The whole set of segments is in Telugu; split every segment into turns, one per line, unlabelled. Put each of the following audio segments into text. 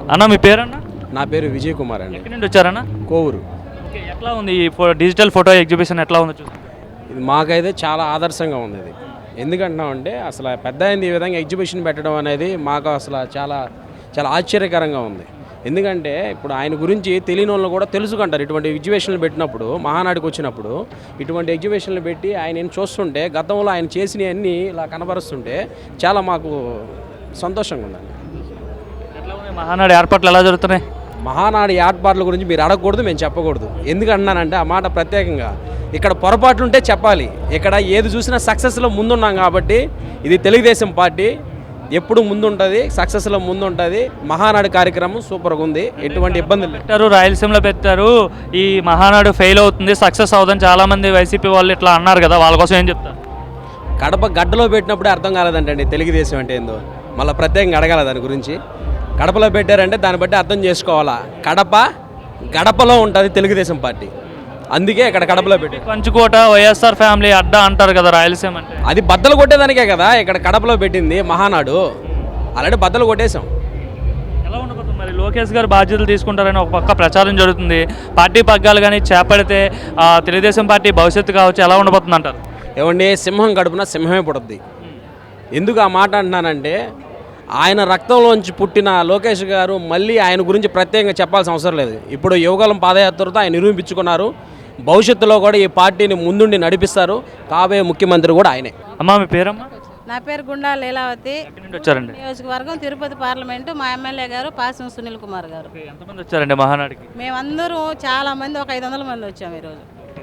అన్న మీ పేరన్నా?
నా పేరు విజయ్ కుమార్ అండి.
ఎక్కడి నుండి వచ్చారన్నా?
కోవూరు.
ఓకే, ఎట్లా ఉంది ఈ డిజిటల్ ఫోటో ఎగ్జిబిషన్ ఎట్లా ఉందో చూస్తే?
ఇది మాకైతే చాలా ఆదర్శంగా ఉంది. ఇది ఎందుకంటున్నామంటే అసలు పెద్ద అయింది ఈ విధంగా ఎగ్జిబిషన్ పెట్టడం అనేది మాకు అసలు చాలా చాలా ఆశ్చర్యకరంగా ఉంది. ఎందుకంటే ఇప్పుడు ఆయన గురించి తెలియని వాళ్ళు కూడా తెలుసుకుంటారు. ఇటువంటి ఎగ్జిబిషన్లు పెట్టినప్పుడు, మహానాడికి వచ్చినప్పుడు ఇటువంటి ఎగ్జిబిషన్లు పెట్టి ఆయన చూస్తుంటే గతంలో ఆయన చేసినవన్నీ ఇలా కనబరుస్తుంటే చాలా మాకు సంతోషంగా ఉందండి.
ఎట్లా ఉంది మహానాడు ఏర్పాట్లు ఎలా జరుగుతున్నాయి?
మహానాడు ఏర్పాట్ల గురించి మీరు అడగకూడదు, మేము చెప్పకూడదు. ఎందుకంటున్నానంటే ఆ మాట ప్రత్యేకంగా ఇక్కడ పొరపాట్లుంటే చెప్పాలి. ఇక్కడ ఏది చూసినా సక్సెస్లో ముందున్నాం కాబట్టి ఇది తెలుగుదేశం పార్టీ ఎప్పుడు ముందుంటుంది, సక్సెస్లో ముందుంటుంది. మహానాడు కార్యక్రమం సూపర్గా ఉంది, ఎటువంటి ఇబ్బందులు
పెట్టారు. రాయలసీమలో పెట్టారు. ఈ మహానాడు ఫెయిల్ అవుతుంది, సక్సెస్ అవుతుంది చాలామంది వైసీపీ వాళ్ళు ఇట్లా అన్నారు కదా, వాళ్ళ కోసం ఏం చెప్తారు?
కడప గడ్డలో పెట్టినప్పుడే అర్థం కాలేదంటండి తెలుగుదేశం అంటే ఏందో. మళ్ళీ ప్రత్యేకంగా అడగాల దాని గురించి. కడపలో పెట్టారంటే దాన్ని బట్టి అర్థం చేసుకోవాలా. గడపలో ఉంటుంది తెలుగుదేశం పార్టీ, అందుకే ఇక్కడ కడపలో పెట్టి.
పంచుకోట వైఎస్ఆర్ ఫ్యామిలీ అడ్డా అంటారు కదా రాయలసీమ అంటే.
అది బద్దలు కొట్టేదానికే కదా ఇక్కడ కడపలో పెట్టింది మహానాడు. ఆల్రెడీ బద్దలు కొట్టేశాం.
ఎలా ఉండబోతుంది మరి? లోకేష్ గారు బాధ్యతలు తీసుకుంటారని ఒక పక్క ప్రచారం జరుగుతుంది. పార్టీ పగ్గాలు కానీ చేపడితే తెలుగుదేశం పార్టీ భవిష్యత్తు కావచ్చు, ఎలా ఉండబోతుంది అంటారు?
ఏమండి, సింహం గడుపున సింహమే పుడుద్ది. ఎందుకు ఆ మాట అంటున్నానంటే ఆయన రక్తంలోంచి పుట్టిన లోకేష్ గారు మళ్ళీ ఆయన గురించి ప్రత్యేకంగా చెప్పాల్సిన అవసరం లేదు. ఇప్పుడు యువగలం పాదయాత్రతో ఆయన నిరూపించుకున్నారు. భవిష్యత్తులో కూడా ఈ పార్టీని ముందుండి నడిపిస్తారు. కాబోయే ముఖ్యమంత్రి కూడా ఆయనే.
అమ్మా మీ పేరమ్మా?
నా పేరు గుండా లీలావతి.
వచ్చారండి
నియోజకవర్గం తిరుపతి పార్లమెంటు. మా ఎమ్మెల్యే గారు పాసం సునీల్ కుమార్ గారు.
ఎంతమంది వచ్చారండి మహానాడికి?
మేమందరూ చాలా మంది, ఒక 500 మంది వచ్చాము ఈరోజు.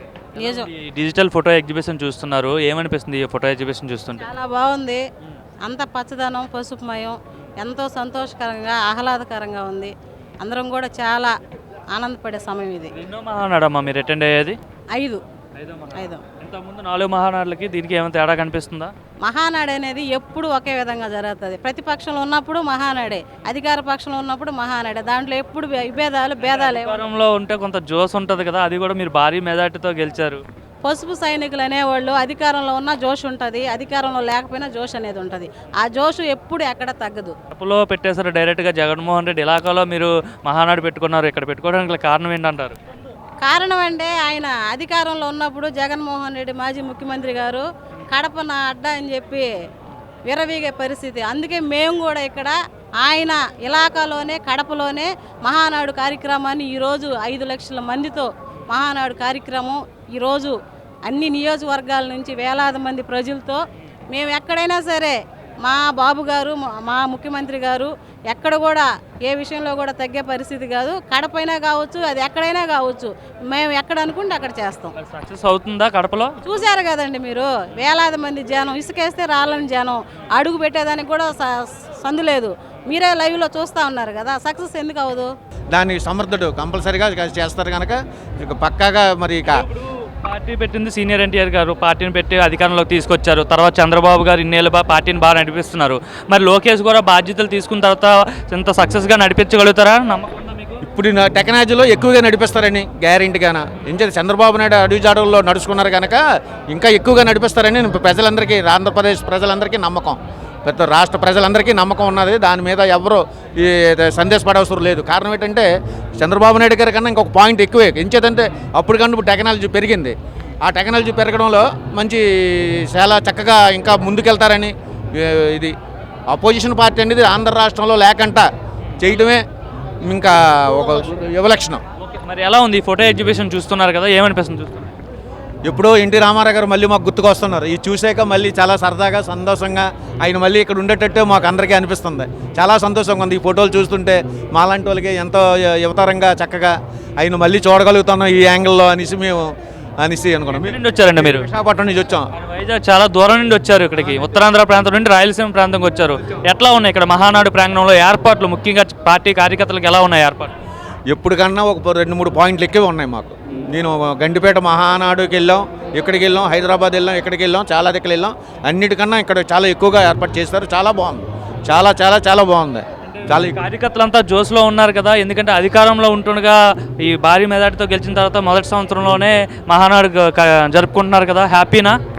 డిజిటల్ ఫోటో ఎగ్జిబిషన్ చూస్తున్నారు, ఏమనిపిస్తుంది ఈ ఫోటో ఎగ్జిబిషన్ చూస్తుంటే?
చాలా బాగుంది. అంత పచ్చదనం, పసుపుమయం, ఎంతో సంతోషకరంగా, ఆహ్లాదకరంగా ఉంది. అందరం కూడా చాలా ఆనందపడే సమయం ఇది.
ఎన్నో మహానాడమ్మా మీరు అటెండ్ అయ్యేది?
5.
ఇంతకుముందు 4 మహానాడులకి దీనికి ఏమైనా తేడా కనిపిస్తుందా?
మహానాడు అనేది ఎప్పుడు ఒకే విధంగా జరుగుతుంది. ప్రతిపక్షంలో ఉన్నప్పుడు మహానాడే, అధికార పక్షంలో ఉన్నప్పుడు మహానాడే. దాంట్లో ఎప్పుడు భేదాలు
అధికారంలో ఉంటే కొంత జోస్ ఉంటుంది కదా, అది కూడా మీరు భారీ మెజార్టీతో గెలిచారు.
పసుపు సైనికులు అనేవాళ్ళు అధికారంలో ఉన్న జోష్ ఉంటుంది, అధికారంలో లేకపోయినా జోష్ అనేది ఉంటుంది. ఆ జోష్ ఎప్పుడు ఎక్కడ తగ్గదు.
కడపలో పెట్టేశారు డైరెక్ట్గా. జగన్మోహన్ రెడ్డి ఇలాకాలో మీరు మహానాడు పెట్టుకున్నారు, ఇక్కడ పెట్టుకోవడానికి కారణం ఏంటంటారు?
కారణం అంటే ఆయన అధికారంలో ఉన్నప్పుడు జగన్మోహన్ రెడ్డి మాజీ ముఖ్యమంత్రి గారు కడప నా అడ్డా అని చెప్పి విరవీగే పరిస్థితి. అందుకే మేము కూడా ఇక్కడ ఆయన ఇలాకాలోనే కడపలోనే మహానాడు కార్యక్రమాన్ని ఈరోజు 5 లక్షల మందితో మహానాడు కార్యక్రమం ఈరోజు అన్ని నియోజకవర్గాల నుంచి వేలాది మంది ప్రజలతో మేము ఎక్కడైనా సరే మా బాబు గారు, మా ముఖ్యమంత్రి గారు ఎక్కడ కూడా ఏ విషయంలో కూడా తగ్గే పరిస్థితి కాదు. కడపైనా కావచ్చు, అది ఎక్కడైనా కావచ్చు, మేము ఎక్కడ అనుకుంటే అక్కడ చేస్తాం.
సక్సెస్ అవుతుందా కడపలో?
చూశారు కదండి మీరు, వేలాది మంది జనం, ఇసుకేస్తే రాళ్ళని జనం, అడుగు పెట్టేదానికి కూడా సందు లేదు. మీరే లైవ్లో చూస్తూ ఉన్నారు కదా, సక్సెస్ ఎందుకు అవ్వదు?
దాన్ని సమర్థుడు కంపల్సరీగా చేస్తారు కనుక ఇక పక్కాగా. మరి ఇక
పార్టీ పెట్టింది సీనియర్ ఎన్టీఆర్ గారు, పార్టీని పెట్టి అధికారంలోకి తీసుకొచ్చారు. తర్వాత చంద్రబాబు గారు ఇన్నేళ్ళు పార్టీని బాగా నడిపిస్తున్నారు. మరి లోకేష్ కూడా బాధ్యతలు తీసుకున్న తర్వాత ఇంత సక్సెస్గా నడిపించగలుగుతారా? నమ్మకం మీకు?
ఇప్పుడు టెక్నాలజీలో ఎక్కువగా నడిపిస్తారని గ్యారెంటీగానా. ఎందుకంటే చంద్రబాబు నాయుడు అడుగుజాడల్లో నడుచుకున్నారు కనుక ఇంకా ఎక్కువగా నడిపిస్తారని ప్రజలందరికీ, ఆంధ్రప్రదేశ్ ప్రజలందరికీ నమ్మకం, పెద్ద రాష్ట్ర ప్రజలందరికీ నమ్మకం ఉన్నది. దాని మీద ఎవరు ఈ సందేశపడవసరం లేదు. కారణం ఏంటంటే చంద్రబాబు నాయుడు గారి కన్నా ఇంకొక పాయింట్ ఎక్కువే. ఎంచేదంటే అప్పటికన్నా టెక్నాలజీ పెరిగింది. ఆ టెక్నాలజీ పెరగడంలో మంచి చాలా చక్కగా ఇంకా ముందుకెళ్తారని. ఇది అపోజిషన్ పార్టీ అనేది ఆంధ్ర రాష్ట్రంలో లేకుండా చేయడమే ఇంకా ఒక యువలక్షణం.
మరి ఎలా ఉంది ఈ ఫోటో ఎగ్జిబిషన్ చూస్తున్నారు కదా, ఏమనిపిస్తుంది చూస్తున్నారు?
ఎప్పుడో ఎన్టీ రామారావు గారు మళ్ళీ మాకు గుర్తుకొస్తున్నారు. ఇది చూసాక మళ్ళీ చాలా సరదాగా, సంతోషంగా ఆయన మళ్ళీ ఇక్కడ ఉండేటట్టే మాకు అందరికీ అనిపిస్తుంది. చాలా సంతోషంగా ఉంది ఈ ఫోటోలు చూస్తుంటే. మాలాంటి వాళ్ళకి ఎంతో యువతరంగా చక్కగా ఆయన మళ్ళీ చూడగలుగుతున్నాం ఈ యాంగిల్లో అనేసి అనుకున్నాం.
వచ్చారండి మీరు?
విశాఖపట్నం నుంచి వచ్చాం.
వైజాగ్ చాలా దూరం నుండి వచ్చారు ఇక్కడికి, ఉత్తరాంధ్ర ప్రాంతం నుండి రాయలసీమ ప్రాంతంకి వచ్చారు. ఎట్లా ఉన్నాయి ఇక్కడ మహానాడు ప్రాంగణంలో ఏర్పాట్లు, ముఖ్యంగా పార్టీ కార్యకర్తలకు ఎలా ఉన్నాయి ఏర్పాట్లు?
ఎప్పటికన్నా ఒక 2-3 పాయింట్లు ఎక్కువ ఉన్నాయి మాకు. నేను గండిపేట మహానాడుకి వెళ్ళాం, ఇక్కడికి వెళ్ళాం, హైదరాబాద్ వెళ్ళాం, ఇక్కడికి వెళ్ళాం, చాలా దగ్గర వెళ్ళాం. అన్నిటికన్నా ఇక్కడ చాలా ఎక్కువగా ఏర్పాటు చేస్తారు. చాలా బాగుంది, చాలా చాలా చాలా బాగుంది. చాలా
కార్యకర్తలంతా జోస్లో ఉన్నారు కదా, ఎందుకంటే అధికారంలో ఉంటుండగా ఈ భారీ మెజార్టీతో గెలిచిన తర్వాత మొదటి సంవత్సరంలోనే మహానాడు జరుపుకుంటున్నారు కదా, హ్యాపీనా?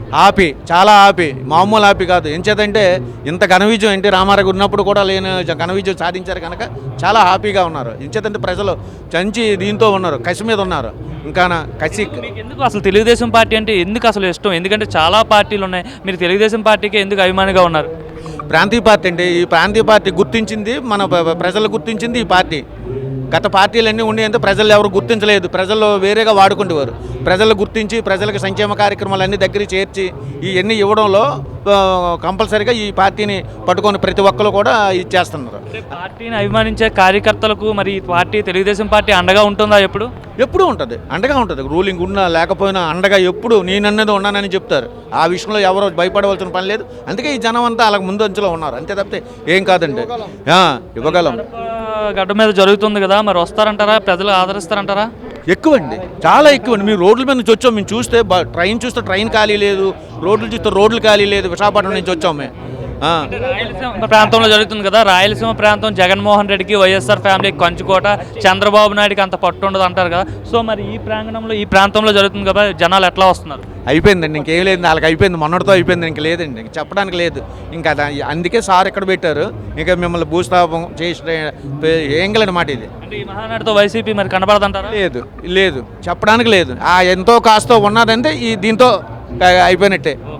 హ్యాపీ, చాలా హ్యాపీ, మామూలు హ్యాపీ కాదు. ఎంచేతంటే ఇంత ఘన విజయం ఎన్టీ రామారావు ఉన్నప్పుడు కూడా లేని ఘన విజయం సాధించారు కనుక చాలా హ్యాపీగా ఉన్నారు. ఎంచేతంటే ప్రజలు చంచి దీంతో ఉన్నారు, కసి మీద ఉన్నారు. ఇంకా కసి.
మీకు ఎందుకు అసలు తెలుగుదేశం పార్టీ అంటే ఎందుకు అసలు ఇష్టం? ఎందుకంటే చాలా పార్టీలు ఉన్నాయి, మీరు తెలుగుదేశం పార్టీకి ఎందుకు అభిమానిగా ఉన్నారు?
ప్రాంతీయ పార్టీ అంటే ఈ ప్రాంతీయ పార్టీ గుర్తించింది, మన ప్రజలు గుర్తించింది ఈ పార్టీ. గత పార్టీలన్నీ ఉండేంత ప్రజలు ఎవరు గుర్తించలేదు, ప్రజలు వేరేగా వాడుకుంటేవారు. ప్రజలు గుర్తించి ప్రజలకు సంక్షేమ కార్యక్రమాలన్నీ దగ్గర చేర్చి ఇవన్నీ ఇవ్వడంలో కంపల్సరీగా ఈ పార్టీని పట్టుకొని ప్రతి ఒక్కరు కూడా ఇచ్చేస్తున్నారు.
పార్టీని అభిమానించే కార్యకర్తలకు మరి ఈ పార్టీ తెలుగుదేశం పార్టీ అండగా ఉంటుందా?
ఎప్పుడూ ఉంటుంది, అండగా ఉంటుంది. రూలింగ్ ఉన్నా లేకపోయినా అండగా ఎప్పుడు నేనన్నది ఉన్నానని చెప్తారు. ఆ విషయంలో ఎవరో భయపడవలసిన పని లేదు. అందుకే ఈ జనం అంతా అలాగ ముందంచులో ఉన్నారు, అంతే తప్పితే ఏం కాదండి. ఇవ్వగలం.
గడ్డ మీద జరుగుతుంది కదా, మరి వస్తారంటారా? ప్రజలు ఆదరిస్తారంటారా?
ఎక్కువండి, చాలా ఎక్కువండి. మీరు రోడ్ల మీద నుంచి వచ్చాం, మేము చూస్తే ట్రైన్ చూస్తే ట్రైన్ ఖాళీ లేదు, రోడ్లు చూస్తే రోడ్లు ఖాళీ లేదు. విశాఖపట్నం నుంచి వచ్చాం మేము.
రాయలసీమ ప్రాంతంలో జరుగుతుంది కదా, రాయలసీమ ప్రాంతం జగన్మోహన్ రెడ్డికి, వైఎస్ఆర్ ఫ్యామిలీకి కంచుకోట, చంద్రబాబు నాయుడికి అంత పట్టు ఉండదు అంటారు కదా. సో మరి ఈ ప్రాంగణంలో ఈ ప్రాంతంలో జరుగుతుంది కదా, జనాలు ఎట్లా వస్తున్నారు?
అయిపోయిందండి, ఇంకేం లేదు, వాళ్ళకి అయిపోయింది, మొన్నటితో అయిపోయింది, ఇంక లేదండి, ఇంక చెప్పడానికి లేదు. ఇంకా అందుకే సార్ ఎక్కడ పెట్టారు, ఇంకా మిమ్మల్ని భూస్థాపం చేసి ఏం మాట ఇది.
అంటే ఈ మహానాడుతో వైసీపీ మరి కనబడదంటారా?
లేదు, చెప్పడానికి లేదు. ఎంతో కాస్తో ఉన్నదంటే ఈ దీంతో అయిపోయినట్టే.